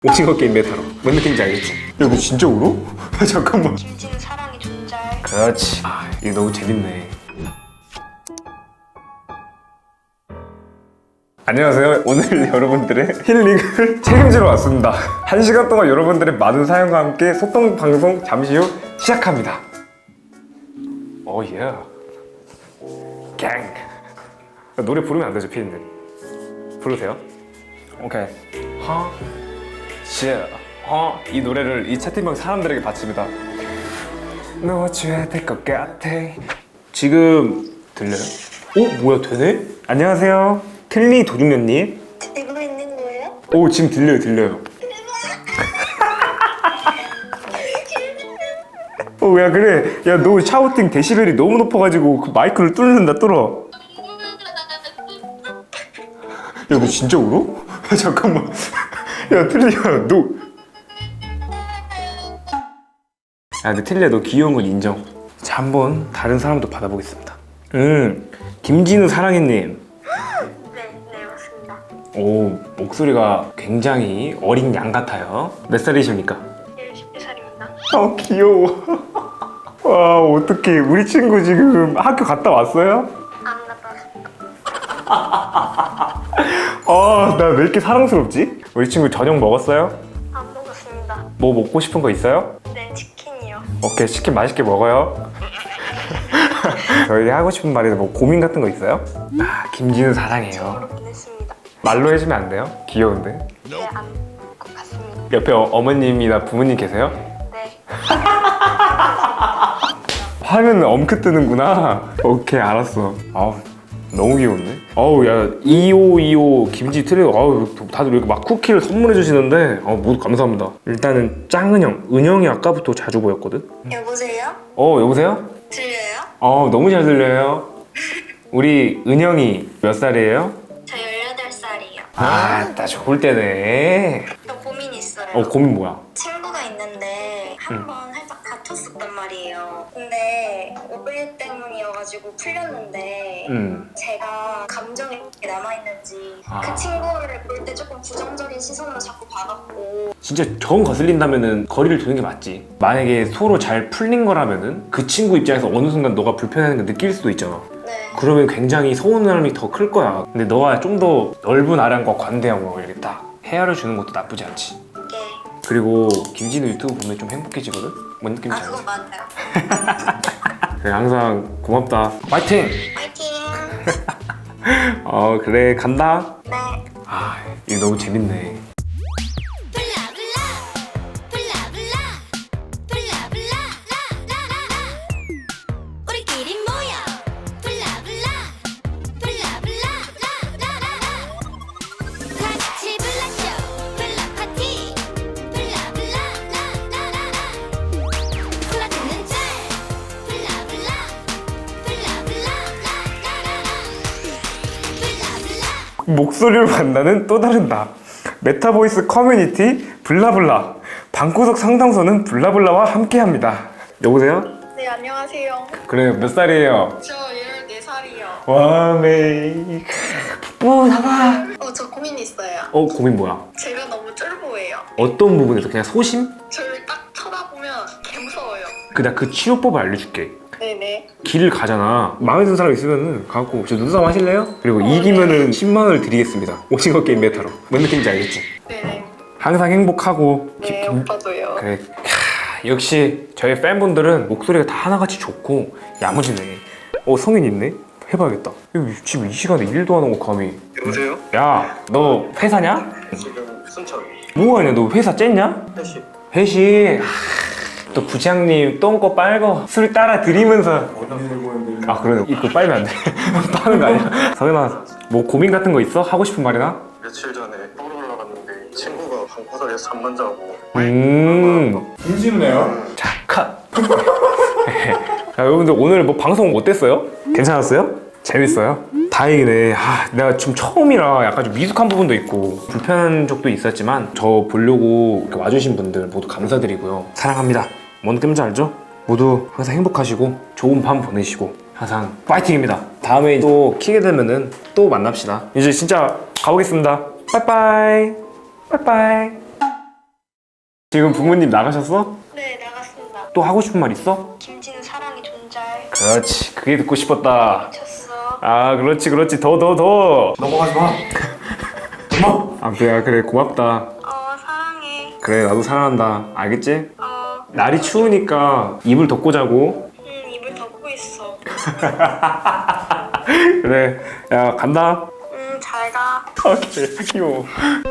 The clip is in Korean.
오징어 게임 메타로 뭔 느낌인지 알겠지? 야 너 진짜 울어? 잠깐만. 김치는 사랑이 존재할. 그렇지. 이거 너무 재밌네. 안녕하세요. 오늘 여러분들의 힐링을 책임지러 왔습니다. 1시간 동안 여러분들의 많은 사연과 함께 소통 방송 잠시 후 시작합니다. 오 예. 갱. 노래 부르면 안 되죠, 피디님? 부르세요. 오케이. 이 노래를 이 채팅방 사람들에게 바칩니다. 넣어줘야 될 것 같아. 지금 들려요? 오 뭐야 되네? 안녕하세요. 켈리 도중년님. 되고 있는 거예요? 오 지금 들려요. 야 그래. 야 너 샤우팅 데시벨이 너무 높아가지고 그 마이크를 뚫는다 뚫어. 야 너 진짜 울어? 잠깐만. 야 틀리야 너. 야 근데 틀리야 너 귀여운 건 인정. 자 한번 다른 사람도 받아보겠습니다. 김진우 사랑해님. 네 맞습니다. 오 목소리가 굉장히 어린 양 같아요. 몇 살이십니까? 10살입니다. 귀여워. 와 어떡해. 우리 친구 지금 학교 갔다 왔어요? 안 갔다 왔습니다. 나 왜 이렇게 사랑스럽지? 우리 친구 저녁 먹었어요? 안 먹었습니다. 뭐 먹고 싶은 거 있어요? 네 치킨이요. 오케이 치킨 맛있게 먹어요. 저희 하고 싶은 말이나 뭐 고민 같은 거 있어요? 김진우 사랑해요. 저로 보냈습니다. 말로 해주면 안 돼요? 귀여운데. 네 안 것 같습니다. 옆에 어머님이나 부모님 계세요? 네. 화면 엄크 뜨는구나. 오케이 알았어. 너무 귀여운데? 야 2525 김지 트레이더. 다들 이렇게 막 쿠키를 선물해 주시는데 모두 감사합니다. 일단은 짱은영 은영이 아까부터 자주 보였거든? 여보세요? 여보세요? 들려요? 너무 잘 들려요. 우리 은영이 몇 살이에요? 저 18살이요. 나 좋을 때네. 저 고민이 있어요. 고민 뭐야? 친구가 있는데 한 번 살짝 다퉜었단 말이에요. 근데 오해 때문이어가지고 풀렸는데 제가 감정이 어떻게 남아있는지 그 친구를 볼 때 조금 부정적인 시선으로 자꾸 봐갖고. 진짜 정 거슬린다면은 거리를 두는 게 맞지. 만약에 서로 잘 풀린 거라면은 그 친구 입장에서 어느 순간 너가 불편해하는 걸 느낄 수도 있잖아. 네. 그러면 굉장히 서운함이 더 클 거야. 근데 너가 좀 더 넓은 아량과 관대함으로 이렇게 딱 헤아려 주는 것도 나쁘지 않지. 네. 그리고 김진우 유튜브 보면 좀 행복해지거든? 뭔 느낌인지 알지? 그건 맞아요. 그래, 항상 고맙다. 파이팅! 파이팅! 그래 간다. 네. 이거 너무 재밌네. 목소리를 만나는 또 다른 나. 메타보이스 커뮤니티 블라블라. 방구석 상담소는 블라블라와 함께합니다. 여보세요? 네 안녕하세요. 그래 몇 살이에요? 저 14살이요. 와 메이 뽀뽀하다. 저 고민이 있어요. 고민 뭐야? 제가 너무 쫄보예요. 어떤 부분에서? 그냥 소심? 저를 딱 쳐다보면 개무서워요. 나 그 치료법을 알려줄게. 네네. 길을 가잖아. 마음에 드는 사람 있으면은 가고 저 눈싸움 하실래요? 그리고 이기면은 10만 원을 드리겠습니다. 오징어 게임 메타로. 뭔 느낌인지 알겠지? 네네. 항상 행복하고 네 오빠도요. 그래. 역시 저희 팬분들은 목소리가 다 하나같이 좋고 야무지네. 성인 있네? 해봐야겠다. 지금 이 시간에 일도 안 하고 감히. 여보세요? 야, 너 회사냐? 지금 순천 뭐하냐? 너 회사 쨌냐? 회식 회식. 또 부장님 똥꼬 빨고 술 따라 드리면서. 그러네. 입고 빨면 안 돼. 빠는 거 아니야? 성현아, 뭐 고민 같은 거 있어? 하고 싶은 말이나? 며칠 전에 서울 올라갔는데 친구가 방구석에서 잠만 자고 김진우네요. 자, 컷. 자, 여러분들 오늘 뭐 방송 어땠어요? 괜찮았어요? 재밌어요? 다행이네. 내가 지금 처음이라 약간 좀 미숙한 부분도 있고 불편한 적도 있었지만 저 보려고 이렇게 와주신 분들 모두 감사드리고요. 사랑합니다. 뭔 느낌인지 알죠? 모두 항상 행복하시고 좋은 밤 보내시고 항상 파이팅입니다. 다음에 또 키게 되면은 또 만납시다. 이제 진짜 가보겠습니다. 빠이빠이. 빠이빠이. 지금 부모님 나가셨어? 네, 나갔습니다. 또 하고 싶은 말 있어? 김진우 사랑이 존잘. 그렇지, 그게 듣고 싶었다. 미쳤어. 아, 그렇지, 그렇지. 더. 넘어가지 마. 엄마. 아, 그래, 고맙다. 사랑해. 그래, 나도 사랑한다. 알겠지? 어, 날이 추우니까 이불 덮고 자고. 입을 덮고 있어. 그래, 야, 간다. 잘 가. 오케이, 귀여워.